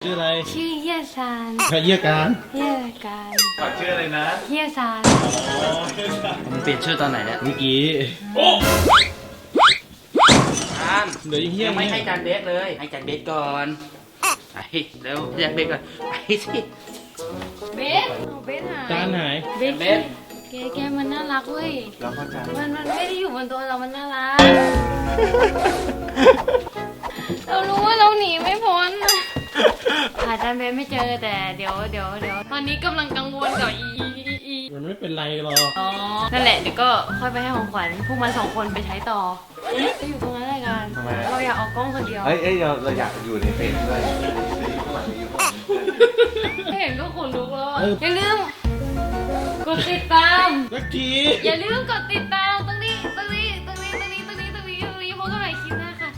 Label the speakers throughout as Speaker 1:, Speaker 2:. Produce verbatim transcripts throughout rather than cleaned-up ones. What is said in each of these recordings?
Speaker 1: ชื่ออะไร
Speaker 2: ชื่อเฮียซาน
Speaker 1: ใครเยี่ยการ
Speaker 2: เฮียการ
Speaker 1: ฝากชื่ออะไรนะ
Speaker 2: เฮียซาน
Speaker 3: มึงเปลี่ยนชื่อตอนไหนเนี่ย
Speaker 1: เมื่อกี้
Speaker 3: โอ้จาน
Speaker 1: เดี๋ยวยังเฮีย
Speaker 3: ยังไม่ให้จานเบสเลยให้จานเบสก่อนไปเร็วจานเบสก่อนไปสิ
Speaker 2: เบสเอาเบสหาย
Speaker 1: จานหาย
Speaker 2: เบสเบสแกแกมันน่ารักเว้ย
Speaker 1: แล้วก็จาน
Speaker 2: มันมันไม่ได้อยู่บนตัวเรามันน่ารักเรารู้ว่าเราหนีไม่พ้นหาจานเบสไม่เจอแต่เดี๋ยวเดี๋ยวเดี๋ยวตอนนี้กำลังกังวลกับอีอีอี
Speaker 1: มันไม่เป็นไรหรอก
Speaker 2: อ๋อนั่นแหละเดี๋ยวก็ค่อยไปให้ของขวัญพวกมันสองคนไปใช้ต่อจะอยู่ตรงนั้นอะไรกันเราอยากออกกล้องคนเดียว
Speaker 4: เอ้ยเอ้ยเราเราอยากอยู่ในเฟซด้วย
Speaker 2: เห็นก็ขนลุกแล้วอย่าลืมกดติดตาม
Speaker 1: สักที
Speaker 2: อย่าลืมกดติดตามตรงนี้ตรงนี้ตรงนี้ตรงนี้ตรงนี้ตรงนี้ตรงนี้พบกันใหม่คลิปหน้าค่ะ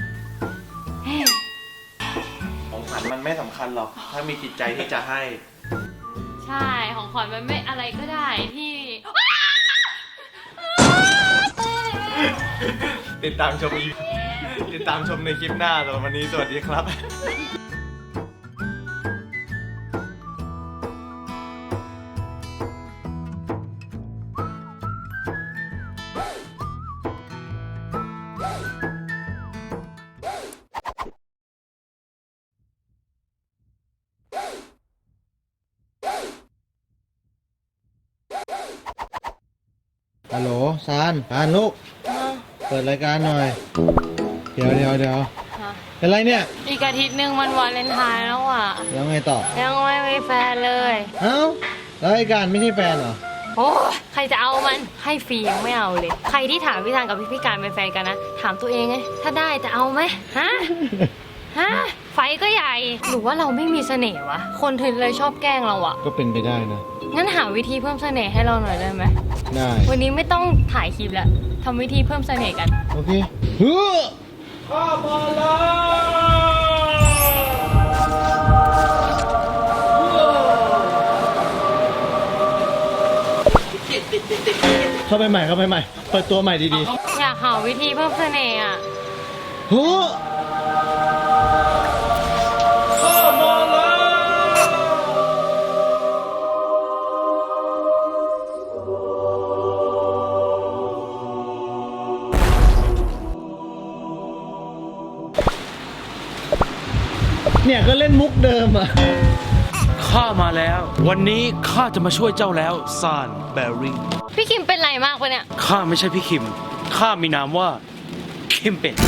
Speaker 4: ของขวัญมันไม่สำคัญหรอกถ้ามีจิตใจที่จะให้
Speaker 2: ใช่ของขวัญมันไม่อะไรก็ได้ที่
Speaker 4: ติดตามชมอีติดตามชมในคลิปหน้าสำหรับวันนี้สวัสดีครับ
Speaker 1: ฮัลโหลซานซานลูกเปิดรายการหน่อยเดี๋ยวเดี๋ยวเดี๋ยวเป็นไรเนี่ย
Speaker 2: อีกอาทิตย์หนึ่งมันวาเลนไทน์แล้วอ่ะ
Speaker 1: แล้วไงต่อ
Speaker 2: ยังไม่มีแฟนเลย
Speaker 1: เอ้าแล้วไอ้การไม่ใช่แฟนเหรอ
Speaker 2: โอ้ใครจะเอามันให้ฟรียังไม่เอาเลยใครที่ถามพี่ทางกับพี่พี่การเป็นแฟนกันนะถามตัวเองไงถ้าได้จะเอาไหมฮะฮะไฟก็ใหญ่หรือว่าเราไม่มีเสน่ห์วะคนถึงเลยชอบแกล้งเราอะ
Speaker 1: ก็เป็นไปได้นะ
Speaker 2: งั้นหาวิธีเพิ่มเสน่ห์ให้เราหน่อยได้ไหม
Speaker 1: ได้
Speaker 2: วันนี้ไม่ต้องถ่ายคลิปแล้วทำวิธีเพิ่มเสน่ห์กัน
Speaker 1: โอเคเฮ้อข้ามาแล้วเข้าไปใหม่เข้าไปใหม่เปิดตัวใหม่ดี
Speaker 2: ๆอยากหาวิธีเพิ่มเสน่ห์อ่ะ
Speaker 1: เฮ้อข้ามาแล้วเนี่ยก็เล่นมุกเดิมอ่ะ
Speaker 3: ข้ามาแล้ววันนี้ข้าจะมาช่วยเจ้าแล้วซานแบริ่ง
Speaker 2: พี่คิมเป็นไรมากปะเนี่ย
Speaker 3: ข้าไม่ใช่พี่คิมข้ามีนามว่าคิมเป็ด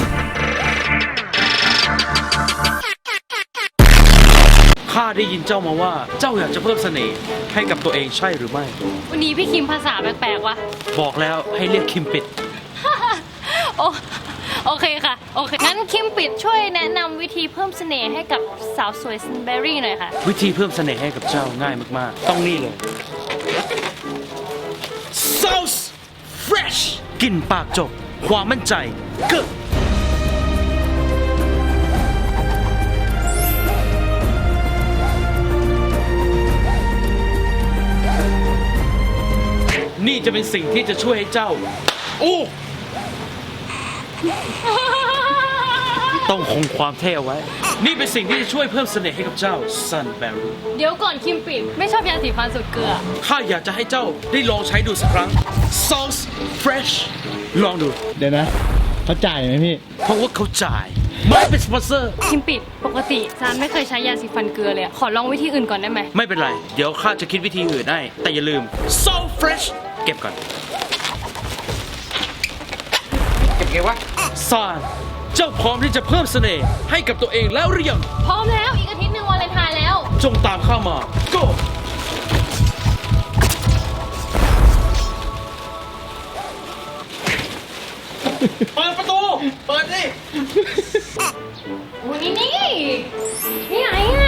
Speaker 3: ข้าได้ยินเจ้ามาว่าเจ้าอยากจะเพิ่มเสน่ห์ให้กับตัวเองใช่หรือไม่
Speaker 2: วันนี้พี่คิมภาษาแปลกๆวะ
Speaker 3: บอกแล้วให้เรียกคิมเป็ด
Speaker 2: โอโอเคค่ะโอเคงั้นคิมปิดช่วยแนะนำวิธีเพิ่มเสน่ห์ให้กับสาวสวยซันเบอรี่หน่อยค่ะ
Speaker 3: วิธีเพิ่มเสน่ห์ให้กับเจ้าง่ายมากๆต้องนี่เลย Sauce Fresh กลิ่นปากจบความมั่นใจเกิดนี่จะเป็นสิ่งที่จะช่วยให้เจ้าโอ้ต้องคงความเท่เอาไว้นี่เป็นสิ่งที่จะช่วยเพิ่มเสน่ห์ให้กับเจ้าซันแบรี่
Speaker 2: เดี๋ยวก่อนคิมปิดไม่ชอบยาสีฟันสุดเกลือ
Speaker 3: ข้าอยากจะให้เจ้าได้ลองใช้ดูสักครั้ง Sauce Fresh ลองดู
Speaker 1: เดี๋ยวนะเขาจ่ายไหมพี่
Speaker 3: เพราะว่าเขาจ่ายไม่เป็นสปอนเซอร์
Speaker 2: คิมปิดปกติซานไม่เคยใช้ยาสีฟันเกลือเลยขอลองวิธีอื่นก่อนได้ไหม
Speaker 3: ไม่เป็นไรเดี๋ยวข้าจะคิดวิธีอื่นให้แต่อย่าลืม So Fresh เก็บก่อนเก็บไงวะซานเจ้าพร้อมที่จะเพิ่มเสน่ห์ให้กับตัวเองแล้วหรือยัง
Speaker 2: พร้อมแล้วอีกอาทิตย์หนึ่งวาเลนไทน์แล้ว
Speaker 3: จงตามข้ามา go เปิดประตูเปิดดิ
Speaker 2: โอ้นี่นี่นี่ไหนอ่ะ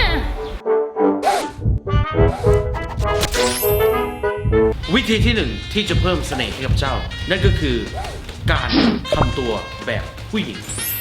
Speaker 3: วิธีที่หนึ่งที่จะเพิ่มเสน่ห์ให้กับเจ้านั่นก็คือการทำตัวแบบผู้หญิง